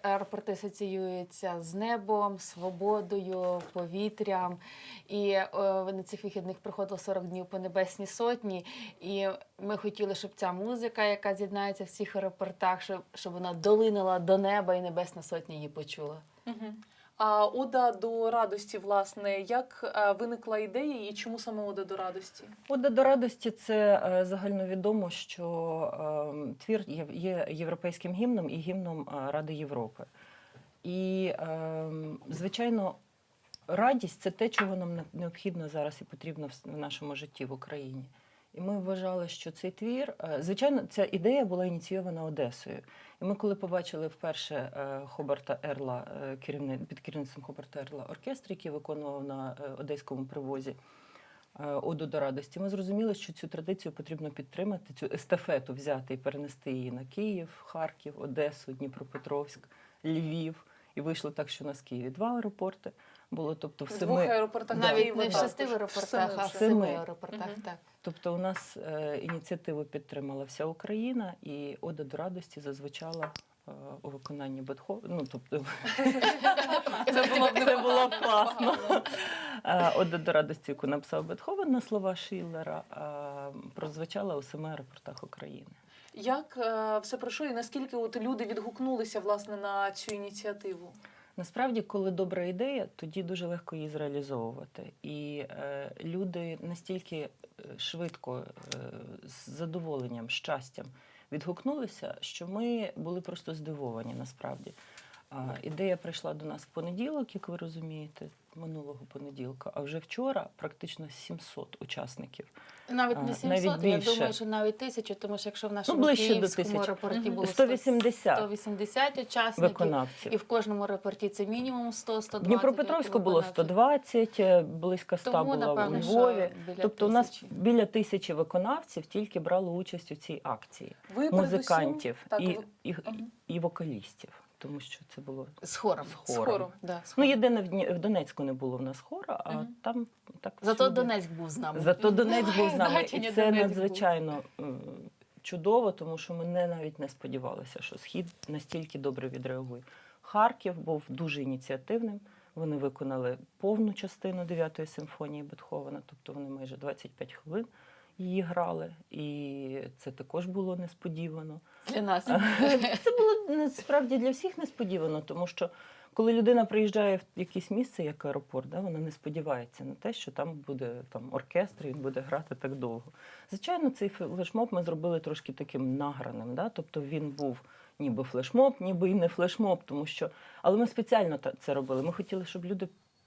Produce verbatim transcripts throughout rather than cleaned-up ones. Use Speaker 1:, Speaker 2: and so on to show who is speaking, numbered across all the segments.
Speaker 1: аеропорти асоціюються з небом, свободою, повітрям. І о, на цих вихідних проходило сорок днів по Небесній Сотні. І ми хотіли, щоб ця музика, яка з'єднається в всіх аеропортах, щоб, щоб вона долинила до неба і Небесна Сотня її почула.
Speaker 2: Угу. А ода до радості, власне, як е, виникла ідея і чому саме ода до радості?
Speaker 3: Ода до радості – це е, загальновідомо, що е, твір є, є європейським гімном і гімном е, Ради Європи. І, е, звичайно, радість – це те, чого нам не- необхідно зараз і потрібно в, с- в нашому житті в Україні. І ми вважали, що цей твір, е, звичайно, ця ідея була ініційована Одесою. І ми, коли побачили вперше е, Хобарта Ерла, е, керівни- під керівництвом Хобарта Ерла оркестр, який виконував на е, одеському привозі е, Оду до радості, ми зрозуміли, що цю традицію потрібно підтримати, цю естафету взяти і перенести її на Київ, Харків, Одесу, Дніпропетровськ, Львів. І вийшло так, що у нас в Києві два аеропорти було, тобто в
Speaker 2: В двох
Speaker 3: семи.
Speaker 2: аеропортах
Speaker 1: Навіть
Speaker 2: Києва
Speaker 1: не в
Speaker 2: також.
Speaker 1: шести аеропортах,
Speaker 2: Семи
Speaker 1: а в
Speaker 2: вже.
Speaker 1: семи
Speaker 3: Семи.
Speaker 1: аеропортах.
Speaker 2: Мгм.
Speaker 1: Так.
Speaker 3: Тобто у нас е, ініціативу підтримала вся Україна, і Ода до радості зазвучала е, у виконанні Бетховена. Ну, тобто, це було, це було класно. Е, Ода до радості, яку написав Бетховен на слова Шиллера, е, прозвучала у семи аеропортах України.
Speaker 2: Як е, все пройшло і наскільки от люди відгукнулися, власне, на цю ініціативу?
Speaker 3: Насправді, коли добра ідея, тоді дуже легко її зреалізовувати. І е, люди настільки е, швидко, е, з задоволенням, щастям відгукнулися, що ми були просто здивовані насправді. А, ідея прийшла до нас в понеділок, як ви розумієте, минулого понеділка, а вже вчора практично сімсот учасників.
Speaker 1: Навіть
Speaker 3: А,
Speaker 1: не
Speaker 3: навіть
Speaker 1: сімсот, я
Speaker 3: більше.
Speaker 1: думаю, що навіть тисячу, тому що якщо в
Speaker 3: Ну,
Speaker 1: нашому
Speaker 3: ближче до
Speaker 1: київському
Speaker 3: тисячі.
Speaker 1: аеропорті
Speaker 2: Мгм.
Speaker 1: було
Speaker 3: сто вісімдесят
Speaker 1: сто вісімдесят учасників,
Speaker 3: виконавців.
Speaker 1: і в кожному аеропорті це мінімум сто - сто
Speaker 3: В
Speaker 1: двадцять.
Speaker 3: Дніпропетровську було сто двадцять, е, близько ста
Speaker 1: Тому,
Speaker 3: була
Speaker 1: напевно,
Speaker 3: у
Speaker 1: що
Speaker 3: Львові.
Speaker 1: біля
Speaker 3: Тобто у нас
Speaker 1: тисячі.
Speaker 3: біля тисячі виконавців тільки брало участь у цій акції.
Speaker 2: Ви
Speaker 3: Музикантів
Speaker 2: передусім- так,
Speaker 3: і,
Speaker 2: ви-
Speaker 3: і,
Speaker 2: Мгм.
Speaker 3: і вокалістів, тому що це було
Speaker 1: З хором.
Speaker 3: з
Speaker 2: з
Speaker 3: хором.
Speaker 2: хором.
Speaker 1: Да, з
Speaker 3: Ну,
Speaker 1: хором.
Speaker 3: єдине, в Дні- в Донецьку не було в нас хора, а
Speaker 2: Мгм.
Speaker 3: там так
Speaker 1: Зато
Speaker 3: всюди.
Speaker 1: Донецьк був з нами.
Speaker 3: Зато Донецьк був з нами.
Speaker 1: Значення
Speaker 3: І це
Speaker 1: Донецьк був.
Speaker 3: надзвичайно м, чудово, тому що ми не, навіть не сподівалися, що Схід настільки добре відреагує. Харків був дуже ініціативним. Вони виконали повну частину дев'ятої симфонії Бетховена, тобто вони майже двадцять п'ять хвилин її грали. І це також було несподівано.
Speaker 1: Для нас.
Speaker 3: Це було насправді для всіх несподівано, тому що коли людина приїжджає в якесь місце, як аеропорт, да, вона не сподівається на те, що там буде там, оркестр, і він буде грати так довго. Звичайно, цей флешмоб ми зробили трошки таким награним, да? Тобто він був ніби флешмоб, ніби і не флешмоб, тому що... Але ми спеціально та- це робили. Ми хотіли, щоб люди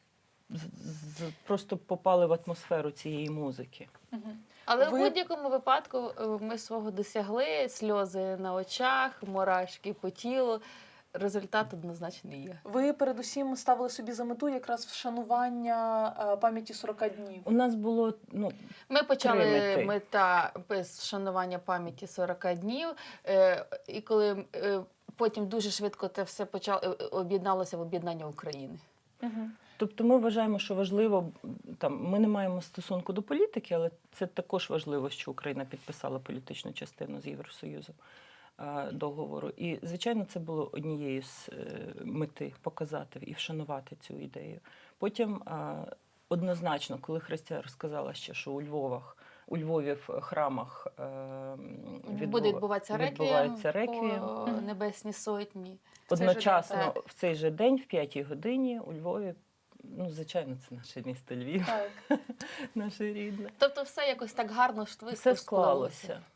Speaker 3: з- з- просто попали в атмосферу цієї музики.
Speaker 2: Мгм.
Speaker 1: Але
Speaker 2: Ви-
Speaker 1: в будь-якому випадку е, ми свого досягли, сльози на очах, мурашки по тілу. Результат однозначно є.
Speaker 2: Ви передусім ставили собі за мету якраз вшанування е, пам'яті сорока днів.
Speaker 3: У нас було, ну,
Speaker 1: Ми почали
Speaker 3: мети.
Speaker 1: мета без вшанування пам'яті сорок днів, е, і коли е, потім дуже швидко це все почало е, об'єдналося в об'єднання України.
Speaker 2: Угу.
Speaker 3: Тобто ми вважаємо, що важливо, там, ми не маємо стосунку до політики, але це також важливо, що Україна підписала політичну частину з Євросоюзом е, договору. І, звичайно, це було однією з е, мети показати і вшанувати цю ідею. Потім е, однозначно, коли Христя розказала ще, що у Львовах, у Львові в храмах е, відбува-
Speaker 1: Буде відбуватися реквієм
Speaker 3: відбувається реквієм.
Speaker 1: по Небесній Сотні.
Speaker 2: цей же
Speaker 3: Одночасно
Speaker 1: день, так.
Speaker 3: в цей же день, в п'ятій годині, у Львові, ну, звичайно, це наше місто Львів,
Speaker 2: Так.
Speaker 3: наше рідне.
Speaker 1: Тобто все якось так гарно, швидко
Speaker 3: Все склалося.